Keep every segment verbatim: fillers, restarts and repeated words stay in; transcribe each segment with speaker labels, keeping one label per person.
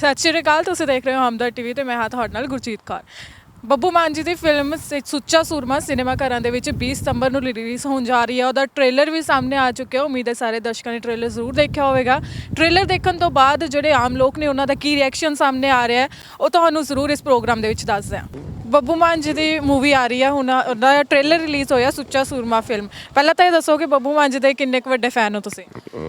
Speaker 1: ਸਤਿ ਸ਼੍ਰੀ ਅਕਾਲ, ਤੁਸੀਂ ਦੇਖ ਰਹੇ ਹੋ ਹਮਦਰ ਟੀਵੀ ਤੇ ਮੈਂ ਹਾਂ ਤੁਹਾਡੇ ਨਾਲ ਗੁਰਜੀਤ ਕੌਰ। ਬੱਬੂ ਮਾਨ ਜੀ ਦੀ ਫਿਲਮ ਸ- ਸੁੱਚਾ ਸੂਰਮਾ ਸਿਨੇਮਾ ਘਰਾਂ ਦੇ ਵਿੱਚ ਵੀਹ ਸਤੰਬਰ ਨੂੰ ਰਿਲੀਜ਼ ਹੋਣ ਜਾ ਰਹੀ ਹੈ। ਉਹਦਾ ਟ੍ਰੇਲਰ ਵੀ ਸਾਹਮਣੇ ਆ ਚੁੱਕਿਆ। ਉਮੀਦ ਹੈ ਸਾਰੇ ਦਰਸ਼ਕਾਂ ਨੇ ਟ੍ਰੇਲਰ ਜ਼ਰੂਰ ਦੇਖਿਆ ਹੋਵੇਗਾ। ਟ੍ਰੇਲਰ ਦੇਖਣ ਤੋਂ ਬਾਅਦ ਜਿਹੜੇ ਆਮ ਲੋਕ ਨੇ ਉਹਨਾਂ ਦਾ ਕੀ ਰਿਐਕਸ਼ਨ ਸਾਹਮਣੇ ਆ ਰਿਹਾ ਹੈ ਉਹ ਤੁਹਾਨੂੰ ਜ਼ਰੂਰ ਇਸ ਪ੍ਰੋਗਰਾਮ ਦੇ ਵਿੱਚ ਦੱਸਦੇ ਹਾਂ। ਬੱਬੂ ਮਾਨ ਜੀ ਦੀ ਮੂਵੀ ਆ ਰਹੀ ਹੈ, ਹੁਣ ਉਹਦਾ ਟ੍ਰੇਲਰ ਰਿਲੀਜ਼ ਹੋਇਆ ਸੁੱਚਾ ਸੂਰਮਾ ਫਿਲਮ। ਪਹਿਲਾਂ ਤਾਂ ਇਹ ਦੱਸੋ ਕਿ ਬੱਬੂ ਮਾਨ ਜੀ ਦੇ ਕਿੰਨੇ ਕੁ ਵੱਡੇ ਫੈਨ ਹੋ ਤੁਸੀਂ?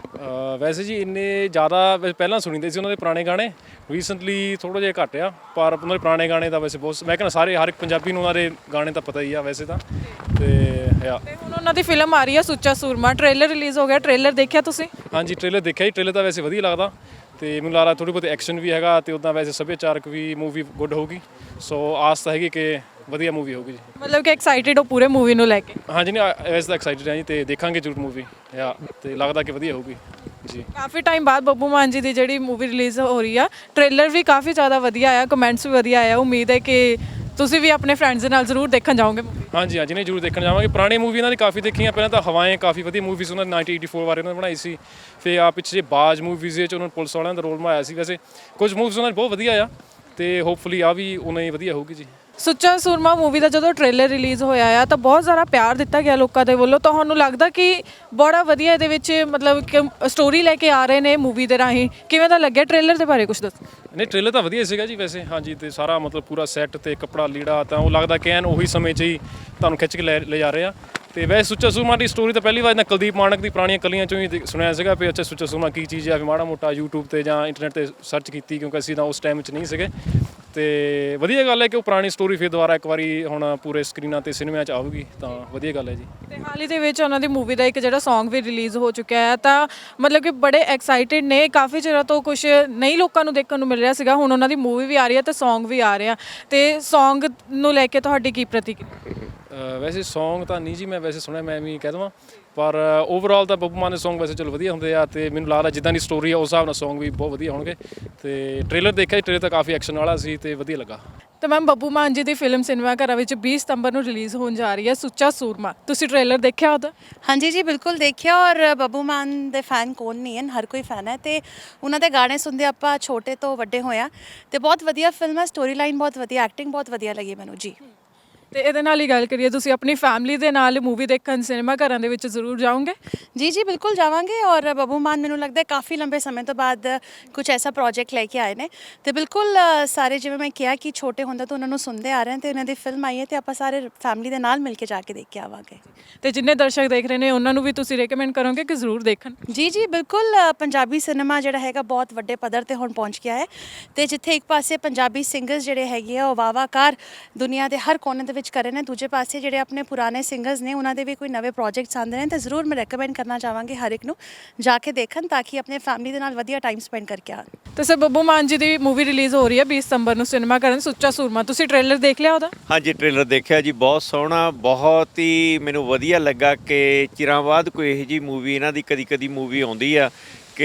Speaker 2: ਅ, ਵੈਸੇ ਜੀ ਇੰਨੇ ਜ਼ਿਆਦਾ ਵੈਸੇ ਪਹਿਲਾਂ ਸੁਣੀਦੇ ਸੀ ਉਹਨਾਂ ਦੇ ਪੁਰਾਣੇ ਗਾਣੇ। ਰੀਸੈਂਟਲੀ ਥੋੜ੍ਹਾ ਜਿਹਾ ਘੱਟ ਆ, ਪਰ ਉਹਨਾਂ ਦੇ ਪੁਰਾਣੇ ਗਾਣੇ ਤਾਂ ਵੈਸੇ ਬਹੁਤ, ਮੈਂ ਕਹਿੰਦਾ ਸਾਰੇ ਹਰ ਇੱਕ ਪੰਜਾਬੀ ਨੂੰ ਉਹਨਾਂ ਦੇ ਗਾਣੇ ਤਾਂ ਪਤਾ ਹੀ ਆ ਵੈਸੇ ਤਾਂ। ਤੇ ਆ
Speaker 1: ਤੇ ਹੁਣ ਉਹਨਾਂ ਦੀ ਫਿਲਮ ਆ ਰਹੀ ਹੈ ਸੁੱਚਾ ਸੂਰਮਾ, ਟ੍ਰੇਲਰ ਰਿਲੀਜ਼ ਹੋ ਗਿਆ। ਟ੍ਰੇਲਰ ਦੇਖਿਆ ਤੁਸੀਂ?
Speaker 2: ਹਾਂਜੀ, ਟ੍ਰੇਲਰ ਦੇਖਿਆ ਜੀ। ਟ੍ਰੇਲਰ ਤਾਂ ਵੈਸੇ ਵਧੀਆ ਲੱਗਦਾ ਤੇ ਮੈਨੂੰ ਲੱਗਦਾ ਥੋੜ੍ਹੀ ਬਹੁਤ ਐਕਸ਼ਨ ਵੀ ਹੈਗਾ ਤੇ ਉੱਦਾਂ ਵੈਸੇ ਸੱਭਿਆਚਾਰਕ ਵੀ ਮੂਵੀ ਗੁੱਡ ਹੋਊਗੀ। ਸੋ ਆਸ ਤਾਂ ਹੈਗੀ ਕਿ ਵਧੀਆ ਮੂਵੀ ਹੋਊਗੀ ਜੀ।
Speaker 1: ਮਤਲਬ ਕਿ ਐਕਸਾਈਟਿਡ ਹੋ ਪੂਰੇ ਮੂਵੀ ਨੂੰ ਲੈ ਕੇ?
Speaker 2: ਹਾਂਜੀ, ਨਹੀਂ ਵੈਸੇ ਤਾਂ ਐਕਸਾਈਟਡ ਹਾਂ ਜੀ ਤੇ ਦੇਖਾਂਗੇ ਜ਼ਰੂਰ ਮੂਵੀ ਆ ਤੇ ਲੱਗਦਾ ਕਿ ਵਧੀਆ ਹੋਊਗੀ ਜੀ।
Speaker 1: ਕਾਫੀ ਟਾਈਮ ਬਾਅਦ ਬੱਬੂ ਮਾਨ ਜੀ ਦੀ ਜਿਹੜੀ ਮੂਵੀ ਰਿਲੀਜ਼ ਹੋ ਰਹੀ ਆ, ਟ੍ਰੇਲਰ ਵੀ ਕਾਫੀ ਜ਼ਿਆਦਾ ਵਧੀਆ ਆਇਆ, ਕਮੈਂਟਸ ਵੀ ਵਧੀਆ ਆਇਆ। ਉਮੀਦ ਹੈ ਕਿ ਤੁਸੀਂ ਵੀ ਆਪਣੇ ਫਰੈਂਡਸ ਦੇ ਨਾਲ ਜ਼ਰੂਰ ਦੇਖਣ ਜਾਓਗੇ ਮੂਵੀ।
Speaker 2: ਹਾਂਜੀ ਹਾਂਜੀ, ਨਹੀਂ ਜ਼ਰੂਰ ਦੇਖਣ ਜਾਵਾਂਗੇ। ਪੁਰਾਣੀ ਮੂਵੀ ਇਹਨਾਂ ਦੀ ਕਾਫੀ ਦੇਖੀਆਂ। ਪਹਿਲਾਂ ਤਾਂ ਹਵਾएं ਕਾਫੀ ਵਧੀਆ ਮੂਵੀਜ਼ ਉਹਨਾਂ ਦੀ ਨਾਈਨਟੀਨ ਏਟੀ ਫੋਰ ਬਾਰੇ ਉਹਨਾਂ ਨੇ ਬਣਾਈ ਸੀ। ਫਿਰ ਆ ਪਿੱਛੇ ਬਾਜ ਮੂਵੀਜ਼ ਵਿੱਚ ਉਹਨਾਂ ਨੇ ਪੁਲਿਸ ਵਾਲਿਆਂ ਦਾ ਰੋਲ ਨਿਭਾਇਆ ਸੀ। ਵੈਸੇ ਕੁਝ ਮੂਵੀਜ਼ ਉਹਨਾਂ ਦੀ ਬਹੁਤ ਵਧੀਆ ਆ ਤੇ ਹੋਪਫੁਲੀ ਆ ਵੀ ਉਹਨਾਂ ਹੀ ਵਧੀਆ ਹੋਊਗੀ ਜੀ।
Speaker 1: ਸੁੱਚਾ ਸੂਰਮਾ ਮੂਵੀ ਦਾ ਜਦੋਂ ਟ੍ਰੇਲਰ ਰਿਲੀਜ਼ ਹੋਇਆ ਆ ਤਾਂ ਬਹੁਤ ਸਾਰਾ ਪਿਆਰ ਦਿੱਤਾ ਗਿਆ ਲੋਕਾਂ ਦੇ ਵੱਲੋਂ। ਤੁਹਾਨੂੰ ਲੱਗਦਾ ਕਿ ਬੜਾ ਵਧੀਆ ਇਹਦੇ ਵਿੱਚ ਮਤਲਬ ਕਿ ਸਟੋਰੀ ਲੈ ਕੇ ਆ ਰਹੇ ਨੇ ਮੂਵੀ ਦੇ ਰਾਹੀਂ? ਕਿਵੇਂ ਦਾ ਲੱਗਿਆ ਟ੍ਰੇਲਰ ਦੇ ਬਾਰੇ ਕੁਝ ਦੱਸੋ?
Speaker 2: ਨਹੀਂ, ਟ੍ਰੇਲਰ ਤਾਂ ਵਧੀਆ ਸੀਗਾ ਜੀ ਵੈਸੇ। ਹਾਂਜੀ, ਤੇ ਸਾਰਾ ਮਤਲਬ ਪੂਰਾ ਸੈੱਟ ਤੇ ਕੱਪੜਾ ਲੀੜਾ ਤਾਂ ਉਹ ਲੱਗਦਾ ਕਿ ਐਨ ਉਹੀ ਸਮੇਂ 'ਚ ਹੀ ਤੁਹਾਨੂੰ ਖਿੱਚ ਕੇ ਲੈ ਲੈ ਜਾ ਰਹੇ ਆ। ਤੇ ਵੈਸੇ ਸੁੱਚਾ ਸੂਰਮਾ ਦੀ ਸਟੋਰੀ ਤਾਂ ਪਹਿਲੀ ਵਾਰ ਨਾ ਕੁਲਦੀਪ ਮਾਣਕ ਦੀ ਪੁਰਾਣੀਆਂ ਕਲੀਆਂ 'ਚੋਂ ਹੀ ਦੇਖ- ਸੁਣਿਆ ਸੀਗਾ ਵੀ ਅੱਛਾ ਸੁੱਚਾ ਸੂਰਮਾ ਕੀ ਚੀਜ਼ ਆ। ਵੀ ਮਾੜਾ ਮੋਟਾ ਯੂਟਿਊਬ ਤੇ ਜਾਂ ਇੰਟਰਨੈਟ ਤੇ ਸਰਚ ਕੀਤੀ ਕਿਉਂਕਿ ਅਸੀਂ ਤਾਂ ਉਸ ਟਾਈਮ 'ਚ ਨਹੀਂ ਸੀਗੇ। ਤੇ ਵਧੀਆ ਗੱਲ ਹੈ ਕਿ ਉਹ ਪੁਰਾਣੀ ਸਟੋਰੀ ਫਿਰ ਦੁਬਾਰਾ ਇੱਕ ਵਾਰੀ ਹੁਣ ਪੂਰੇ ਸਕਰੀਨਾਂ ਤੇ ਸਿਨੇਮਿਆਂ 'ਚ ਆਊਗੀ ਤਾਂ ਵਧੀਆ ਗੱਲ ਹੈ ਜੀ।
Speaker 1: ਤੇ ਹਾਲ ਹੀ ਦੇ ਵਿੱਚ ਉਹਨਾਂ ਦੀ ਮੂਵੀ ਦਾ ਇੱਕ ਜਿਹੜਾ Song ਵੀ ਰਿਲੀਜ਼ ਹੋ ਚੁੱਕਿਆ ਹੈ ਤਾਂ ਮਤਲਬ ਕਿ ਬੜੇ ਐਕਸਾਈਟਿਡ ਨੇ। ਕਾਫੀ ਚਿਰਾਂ ਤੋਂ ਕੁਝ ਨਹੀਂ ਲੋਕਾਂ ਨੂੰ ਦੇਖਣ ਨੂੰ ਮਿਲ ਰਿਹਾ ਸੀਗਾ, ਹੁਣ ਉਹਨਾਂ ਦੀ ਮੂਵੀ ਵੀ ਆ ਰਹੀ ਹੈ ਤੇ Song ਵੀ ਆ ਰਿਹਾ। ਤੇ Song ਨੂੰ ਲੈ ਕੇ ਤੁਹਾਡੀ ਕੀ ਪ੍ਰਤੀਕਿਰਿਆ?
Speaker 2: ਅ, ਵੈਸੇ Song ਤਾਂ ਨਹੀਂ ਜੀ ਮੈਂ ਵੈਸੇ ਸੁਣਿਆ, ਮੈਂ ਵੀ ਕਹਿ ਦੇਵਾਂ, ਪਰ ਓਵਰਆਲ ਤਾਂ ਬੱਬੂ ਮਾਨ ਦੇ Song ਵੈਸੇ ਚਲੋ ਵਧੀਆ ਹੁੰਦੇ ਆ ਤੇ ਮੈਨੂੰ ਲੱਗਦਾ ਜਿੱਦਾਂ ਦੀ ਸਟੋਰੀ ਆ ਉਸ ਹਿਸਾਬ ਨਾਲ Song ਵੀ ਬਹੁਤ ਵਧੀਆ ਹੋਣਗੇ। ਤੇ ਟ੍ਰੇਲਰ ਦੇਖਿਆ ਜੀ, ਟ੍ਰੇਲਰ ਤਾਂ ਕਾਫੀ ਐਕਸ਼ਨ ਵਾਲਾ ਸੀ ਤੇ ਵਧੀਆ ਲੱਗਾ।
Speaker 1: ਤੇ ਮੈਮ ਬੱਬੂ ਮਾਨ ਜੀ ਦੀ ਫਿਲਮ ਸਿਨੇਮਾ ਘਰਾਂ ਵਿੱਚ ਵੀਹ ਸਤੰਬਰ ਨੂੰ ਰਿਲੀਜ਼ ਹੋਣ ਜਾ ਰਹੀ ਹੈ ਸੁੱਚਾ ਸੂਰਮਾ। ਤੁਸੀਂ ਟ੍ਰੇਲਰ ਦੇਖਿਆ ਉਹਦਾ?
Speaker 3: ਹਾਂਜੀ ਜੀ, ਬਿਲਕੁਲ ਦੇਖਿਆ। ਔਰ ਬੱਬੂ ਮਾਨ ਦੇ ਫੈਨ ਕੌਣ ਨਹੀਂ ਹਨ, ਹਰ ਕੋਈ ਫੈਨ ਹੈ ਤੇ ਉਹਨਾਂ ਦੇ ਗਾਣੇ ਸੁਣਦੇ ਆਪਾਂ ਛੋਟੇ ਤੋਂ ਵੱਡੇ ਹੋਇਆ ਤੇ ਬਹੁਤ ਵਧੀਆ ਫਿਲਮ ਹੈ। ਸਟੋਰੀ ਲਾਈਨ ਬਹੁਤ ਵਧੀਆ, ਐਕਟਿੰਗ ਬਹੁਤ ਵਧੀਆ ਲੱਗੀ ਮੈਨੂੰ ਜੀ।
Speaker 1: ਤੇ ਇਹਦੇ ਨਾਲ ਹੀ ਗੱਲ ਕਰੀਏ, ਤੁਸੀਂ ਆਪਣੀ ਫੈਮਿਲੀ ਦੇ ਨਾਲ ਮੂਵੀ ਦੇਖਣ ਸਿਨੇਮਾ ਘਰਾਂ ਦੇ ਵਿੱਚ ਜ਼ਰੂਰ ਜਾਓਗੇ?
Speaker 3: ਜੀ ਜੀ ਬਿਲਕੁਲ ਜਾਵਾਂਗੇ। ਔਰ ਬੱਬੂ ਮਾਨ ਮੈਨੂੰ ਲੱਗਦਾ ਕਾਫੀ ਲੰਬੇ ਸਮੇਂ ਤੋਂ ਬਾਅਦ ਕੁਝ ਐਸਾ ਪ੍ਰੋਜੈਕਟ ਲੈ ਕੇ ਆਏ ਨੇ ਤੇ ਬਿਲਕੁਲ ਅ, ਸਾਰੇ ਜਿਵੇਂ ਮੈਂ ਕਿਹਾ ਕਿ ਛੋਟੇ ਹੁੰਦਾ ਤਾਂ ਉਹਨਾਂ ਨੂੰ ਸੁਣਦੇ ਆ ਰਹੇ ਤੇ ਉਹਨਾਂ ਦੀ ਫਿਲਮ ਆਈ ਹੈ ਤੇ ਆਪਾਂ ਸਾਰੇ ਫੈਮਿਲੀ ਦੇ ਨਾਲ ਮਿਲ ਕੇ ਜਾ ਕੇ ਦੇਖ ਕੇ ਆਵਾਂਗੇ।
Speaker 1: ਤੇ ਜਿੰਨੇ ਦਰਸ਼ਕ ਦੇਖ ਰਹੇ ਨੇ ਉਹਨਾਂ ਨੂੰ ਵੀ ਤੁਸੀਂ ਰეკਮੈਂਡ ਕਰੋਗੇ ਕਿ ਜ਼ਰੂਰ ਦੇਖਣ?
Speaker 3: ਜੀ ਜੀ ਬਿਲਕੁਲ। ਅ, ਪੰਜਾਬੀ ਸਿਨੇਮਾ ਜਿਹੜਾ ਹੈਗਾ ਬਹੁਤ ਵੱਡੇ ਪੱਧਰ ਤੇ ਹੁਣ ਪਹੁੰਚ ਗਿਆ ਹੈ ਤੇ ਜਿੱਥੇ ਇੱਕ ਪਾਸੇ ਪੰਜਾਬੀ ਸਿੰਗਰਸ ਜਿਹੜੇ ਹੈਗੇ ਆ ਉਹ ਵਾਵਾਕਾਰ ਦੁਨੀਆ ਦੇ ਹਰ ਕੋਨੇ ਦੇ ਵਿੱਚ ਕਰ ਰਹੇ ਨੇ, ਦੂਜੇ ਪਾਸੇ ਜਿਹੜੇ ਆਪਣੇ ਪੁਰਾਣੇ ਸਿੰਗਰਸ ਨੇ ਉਹਨਾਂ ਦੇ ਵੀ ਕੋਈ ਨਵੇਂ ਪ੍ਰੋਜੈਕਟਸ ਆਉਂਦੇ ਨੇ ਤਾਂ ਜ਼ਰੂਰ ਮੈਂ ਰეკਮੈਂਡ ਕਰਨਾ ਚਾਹਾਂਗੀ ਹਰ ਇੱਕ ਨੂੰ ਜਾ ਕੇ ਦੇਖਣ ਤਾਂ ਕਿ ਆਪਣੇ ਫੈਮਿਲੀ ਦੇ ਨਾਲ ਵਧੀਆ ਟਾਈਮ ਸਪੈਂਡ ਕਰਕੇ ਆਉਣ।
Speaker 1: ਤੇ ਸਰ ਬੱਬੂ ਮਾਨ ਜੀ ਦੀ ਮੂਵੀ ਰਿਲੀਜ਼ ਹੋ ਰਹੀ ਹੈ ਵੀਹ ਸਤੰਬਰ ਨੂੰ ਸਿਨੇਮਾ ਘਰਾਂ ਸੁੱਚਾ ਸੂਰਮਾ। ਤੁਸੀਂ ਟ੍ਰੇਲਰ ਦੇਖ ਲਿਆ ਉਹਦਾ?
Speaker 4: ਹਾਂਜੀ, ਟ੍ਰੇਲਰ ਦੇਖਿਆ ਜੀ, ਬਹੁਤ ਸੋਹਣਾ, ਬਹੁਤ ਹੀ ਮੈਨੂੰ ਵਧੀਆ ਲੱਗਾ ਕਿ ਚਿਰਾਂ ਬਾਅਦ ਕੋਈ ਇਹੋ ਜਿਹੀ ਮੂਵੀ, ਇਹਨਾਂ ਦੀ ਕਦੀ ਕਦੀ ਮੂਵੀ ਆਉਂਦੀ ਆ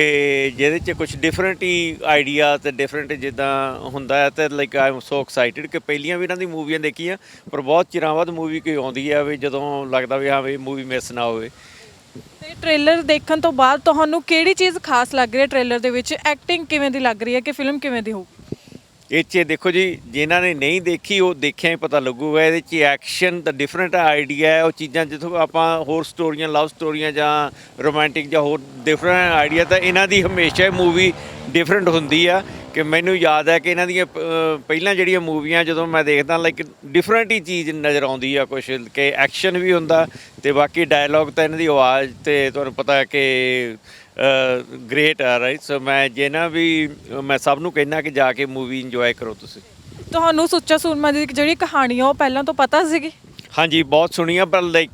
Speaker 4: ਕਿ ਜਿਹਦੇ 'ਚ ਕੁਝ ਡਿਫਰੈਂਟ ਹੀ ਆਈਡੀਆ ਤੇ ਡਿਫਰੈਂਟ ਜਿੱਦਾਂ ਹੁੰਦਾ ਹੈ ਤੇ like I am so excited ਕਿ ਪਹਿਲੀਆਂ ਵੀ ਇਹਨਾਂ ਦੀ ਮੂਵੀਆਂ ਦੇਖੀਆਂ ਪਰ ਬਹੁਤ ਚਿਰਾਂ ਬਾਅਦ ਮੂਵੀ ਕੋਈ ਆਉਂਦੀ ਆ ਵੀ ਜਦੋਂ ਲੱਗਦਾ ਵੀ ਹਾਂ ਵੀ ਮੂਵੀ ਮਿਸ ਨਾ ਹੋਵੇ।
Speaker 1: ਤੇ ਟ੍ਰੇਲਰ ਦੇਖਣ ਤੋਂ ਬਾਅਦ ਤੁਹਾਨੂੰ ਕਿਹੜੀ ਚੀਜ਼ ਖਾਸ ਲੱਗ ਰਹੀ ਹੈ ਟ੍ਰੇਲਰ ਦੇ ਵਿੱਚ? ਐਕਟਿੰਗ ਕਿਵੇਂ ਦੀ ਲੱਗ ਰਹੀ ਹੈ ਕਿ ਫਿਲਮ ਕਿਵੇਂ ਦੀ ਹੋਊਗੀ?
Speaker 4: ਇਹ 'ਚ ਦੇਖੋ ਜੀ, ਜਿਨ੍ਹਾਂ ਨੇ ਨਹੀਂ ਦੇਖੀ ਉਹ ਦੇਖਿਆ ਹੀ ਪਤਾ ਲੱਗੂਗਾ। ਇਹਦੇ 'ਚ ਐਕਸ਼ਨ ਤਾਂ ਡਿਫਰੈਂਟ ਆਈਡੀਆ ਹੈ, ਉਹ ਚੀਜ਼ਾਂ ਜਿੱਥੋਂ ਆਪਾਂ ਹੋਰ ਸਟੋਰੀਆਂ, ਲਵ ਸਟੋਰੀਆਂ ਜਾਂ ਰੋਮਾਂਟਿਕ ਜਾਂ ਹੋਰ ਡਿਫਰੈਂਟ ਆਈਡੀਆ, ਤਾਂ ਇਹਨਾਂ ਦੀ ਹਮੇਸ਼ਾ ਮੂਵੀ ਡਿਫਰੈਂਟ ਹੁੰਦੀ ਆ। ਕਿ ਮੈਨੂੰ ਯਾਦ ਹੈ ਕਿ ਇਹਨਾਂ ਦੀਆਂ ਪਹਿਲਾਂ ਜਿਹੜੀਆਂ ਮੂਵੀਆਂ ਜਦੋਂ ਮੈਂ ਦੇਖਦਾ ਲਾਈਕ ਡਿਫਰੈਂਟ ਹੀ ਚੀਜ਼ ਨਜ਼ਰ ਆਉਂਦੀ ਆ ਕੁਛ, ਕਿ ਐਕਸ਼ਨ ਵੀ ਹੁੰਦਾ ਤੇ ਬਾਕੀ ਡਾਇਲੋਗ ਤਾਂ ਇਹਨਾਂ ਦੀ ਆਵਾਜ਼ ਤੇ ਤੁਹਾਨੂੰ ਪਤਾ ਹੈ ਕਿ ਗ੍ਰੇਟ ਆ ਰਾਈਟ। ਸੋ ਮੈਂ ਜਿਹਨਾਂ ਵੀ ਮੈਂ ਸਭ ਨੂੰ ਕਹਿਣਾ ਕਿ ਜਾ ਕੇ ਮੂਵੀ ਇੰਜੋਏ ਕਰੋ ਤੁਸੀਂ।
Speaker 1: ਤੁਹਾਨੂੰ ਸੁੱਚਾ ਸੂਰਮਾ ਦੀ ਜਿਹੜੀ ਕਹਾਣੀ ਆ ਉਹ ਪਹਿਲਾਂ ਤੋਂ ਪਤਾ ਸੀਗੀ?
Speaker 4: ਹਾਂਜੀ, ਬਹੁਤ ਸੁਣੀ ਆ, ਪਰ ਲਾਈਕ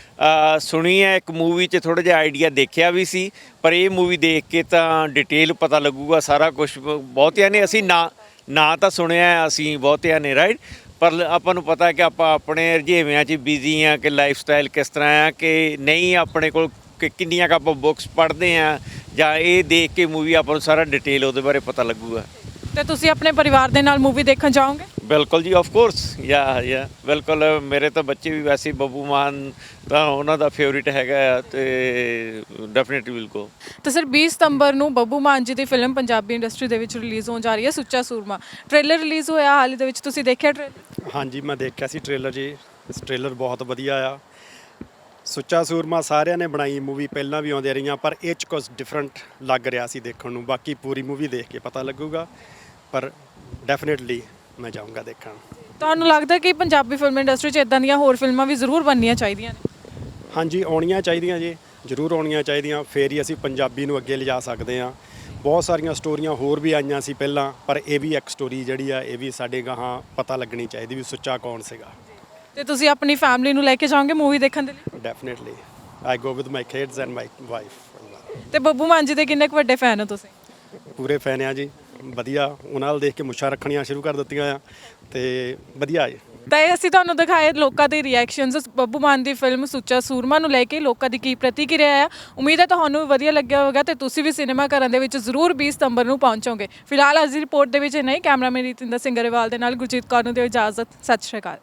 Speaker 4: ਸੁਣੀ ਹੈ ਇੱਕ ਮੂਵੀ 'ਚ ਥੋੜ੍ਹਾ ਜਿਹਾ ਆਈਡੀਆ ਦੇਖਿਆ ਵੀ ਸੀ, ਪਰ ਇਹ ਮੂਵੀ ਦੇਖ ਕੇ ਤਾਂ ਡਿਟੇਲ ਪਤਾ ਲੱਗੂਗਾ ਸਾਰਾ ਕੁਝ। ਬਹੁਤਿਆਂ ਨੇ ਅਸੀਂ ਨਾ ਨਾ ਤਾਂ ਸੁਣਿਆ ਅਸੀਂ ਬਹੁਤਿਆਂ ਨੇ ਰਾਈਟ, ਪਰ ਆਪਾਂ ਨੂੰ ਪਤਾ ਕਿ ਆਪਾਂ ਆਪਣੇ ਰੁਝੇਵਿਆਂ 'ਚ ਬਿਜ਼ੀ ਆ ਕਿ ਲਾਈਫ ਸਟਾਈਲ ਕਿਸ ਤਰ੍ਹਾਂ ਆ ਕਿ ਨਹੀਂ ਆਪਣੇ ਕੋਲ ਕਿ ਕਿੰਨੀਆਂ ਕੁ ਆਪਾਂ ਬੁੱਕਸ ਪੜ੍ਹਦੇ ਹਾਂ ਜਾਂ ਇਹ ਦੇਖ ਕੇ ਮੂਵੀ ਆਪਾਂ ਨੂੰ ਸਾਰਾ ਡਿਟੇਲ ਉਹਦੇ ਬਾਰੇ ਪਤਾ ਲੱਗੂਗਾ।
Speaker 1: ਤੇ ਤੁਸੀਂ ਆਪਣੇ ਪਰਿਵਾਰ ਦੇ ਨਾਲ ਮੂਵੀ ਦੇਖਣ ਜਾਓਗੇ?
Speaker 4: ਬਿਲਕੁਲ ਜੀ, ਆਫ ਕੋਰਸ, ਯਾ ਯਾ ਬਿਲਕੁਲ। ਮੇਰੇ ਤਾਂ ਬੱਚੇ ਵੀ ਵੈਸੇ ਹੀ ਬੱਬੂ ਮਾਨ ਤਾਂ ਉਹਨਾਂ ਦਾ ਫੇਵਰਿਟ ਹੈਗਾ ਆ ਤੇ ਡੈਫੀਨਿਟਲੀ ਵਿਲ ਗੋ।
Speaker 1: ਤੇ ਸਰ ਵੀਹ ਸਤੰਬਰ ਨੂੰ ਬੱਬੂ ਮਾਨ ਜੀ ਦੀ ਫਿਲਮ ਪੰਜਾਬੀ ਇੰਡਸਟਰੀ ਦੇ ਵਿੱਚ ਰਿਲੀਜ਼ ਹੋਣ ਜਾ ਰਹੀ ਹੈ ਸੁੱਚਾ ਸੂਰਮਾ। ਟ੍ਰੇਲਰ ਰਿਲੀਜ਼ ਹੋਇਆ ਹਾਲ ਹੀ ਦੇ ਵਿੱਚ, ਤੁਸੀਂ ਦੇਖਿਆ ਟ੍ਰੇਲਰ?
Speaker 5: ਹਾਂਜੀ ਮੈਂ ਦੇਖਿਆ ਸੀ ਟ੍ਰੇਲਰ ਜੀ। ਇਸ ਟ੍ਰੇਲਰ ਬਹੁਤ ਵਧੀਆ ਆ। ਸੁੱਚਾ ਸੂਰਮਾ ਸਾਰਿਆਂ ਨੇ ਬਣਾਈ ਮੂਵੀ, ਪਹਿਲਾਂ ਵੀ ਆਉਂਦੀਆਂ ਰਹੀਆਂ, ਪਰ ਇਹ 'ਚ ਕੁਝ ਡਿਫਰੈਂਟ ਲੱਗ ਰਿਹਾ ਸੀ ਦੇਖਣ ਨੂੰ। ਬਾਕੀ ਪੂਰੀ ਮੂਵੀ ਦੇਖ ਕੇ ਪਤਾ ਲੱਗੂਗਾ, ਪਰ ਡੈਫੀਨਿਟਲੀ ਮੈਂ ਜਾਊਂਗਾ ਦੇਖਣ।
Speaker 1: ਤੁਹਾਨੂੰ ਲੱਗਦਾ ਕਿ ਪੰਜਾਬੀ ਫਿਲਮ ਇੰਡਸਟਰੀ 'ਚ ਇਦਾਂ ਦੀਆਂ ਹੋਰ ਫਿਲਮਾਂ ਵੀ ਜ਼ਰੂਰ ਬਣਨੀਆਂ ਚਾਹੀਦੀਆਂ ਨੇ?
Speaker 5: ਹਾਂਜੀ ਆਉਣੀਆਂ ਚਾਹੀਦੀਆਂ ਜੀ, ਜ਼ਰੂਰ ਆਉਣੀਆਂ ਚਾਹੀਦੀਆਂ, ਫੇਰ ਹੀ ਅਸੀਂ ਪੰਜਾਬੀ ਨੂੰ ਅੱਗੇ ਲਿਜਾ ਸਕਦੇ ਹਾਂ। ਬਹੁਤ ਸਾਰੀਆਂ ਸਟੋਰੀਆਂ ਹੋਰ ਵੀ ਆਈਆਂ ਸੀ ਪਹਿਲਾਂ, ਪਰ ਇਹ ਵੀ ਇੱਕ ਸਟੋਰੀ ਜਿਹੜੀ ਆ ਇਹ ਵੀ ਸਾਡੇ ਗਾਹਾਂ ਪਤਾ ਲੱਗਣੀ ਚਾਹੀਦੀ ਵੀ ਸੁੱਚਾ ਕੌਣ ਸੀਗਾ।
Speaker 1: ਤੇ ਤੁਸੀਂ ਆਪਣੀ ਫੈਮਿਲੀ ਨੂੰ ਲੈ ਕੇ ਜਾਓਗੇ ਮੂਵੀ ਦੇਖਣ ਦੇ ਲਈ?
Speaker 5: Definitely I go with my kids and my wife.
Speaker 1: ਤੇ ਬੱਬੂ ਮਾਨ ਜੀ ਦੇ ਕਿੰਨੇ ਕੁ ਵੱਡੇ ਫੈਨ ਹੋ ਤੁਸੀਂ?
Speaker 5: ਪੂਰੇ ਫੈਨ ਆ ਜੀ, ਵਧੀਆ। ਉਹਨਾਂ ਨਾਲ ਦੇਖ ਕੇ ਮੁੱਛਾਂ ਰੱਖਣੀਆਂ ਸ਼ੁਰੂ ਕਰ ਦਿੱਤੀਆਂ ਆ ਤੇ ਵਧੀਆ ਜੀ।
Speaker 1: ਤਾਂ ਇਹ ਅਸੀਂ ਤੁਹਾਨੂੰ ਦਿਖਾਏ ਲੋਕਾਂ ਦੇ ਰਿਐਕਸ਼ਨਸ ਬੱਬੂ ਮਾਨ ਦੀ ਫਿਲਮ ਸੁੱਚਾ ਸੂਰਮਾ ਨੂੰ ਲੈ ਕੇ ਲੋਕਾਂ ਦੀ ਕੀ ਪ੍ਰਤੀਕਿਰਿਆ ਆ। ਉਮੀਦ ਹੈ ਤੁਹਾਨੂੰ ਵੀ ਵਧੀਆ ਲੱਗਿਆ ਹੋਵੇਗਾ ਤੇ ਤੁਸੀਂ ਵੀ ਸਿਨੇਮਾ ਘਰਾਂ ਦੇ ਵਿੱਚ ਜ਼ਰੂਰ ਵੀਹ ਸਤੰਬਰ ਨੂੰ ਪਹੁੰਚੋਗੇ। ਫਿਲਹਾਲ ਅੱਜ ਦੀ ਰਿਪੋਰਟ ਦੇ ਵਿੱਚ ਨਹੀਂ, ਕੈਮਰਾਮੈਨ ਰਿਤਿੰਦਰ ਸਿੰਘ ਗਰੇਵਾਲ ਦੇ ਨਾਲ ਗੁਰਜੀਤ ਕੌਰ ਨੂੰ ਦਿਓ ਇਜਾਜ਼ਤ। ਸਤਿ ਸ਼੍ਰੀ ਅਕਾਲ।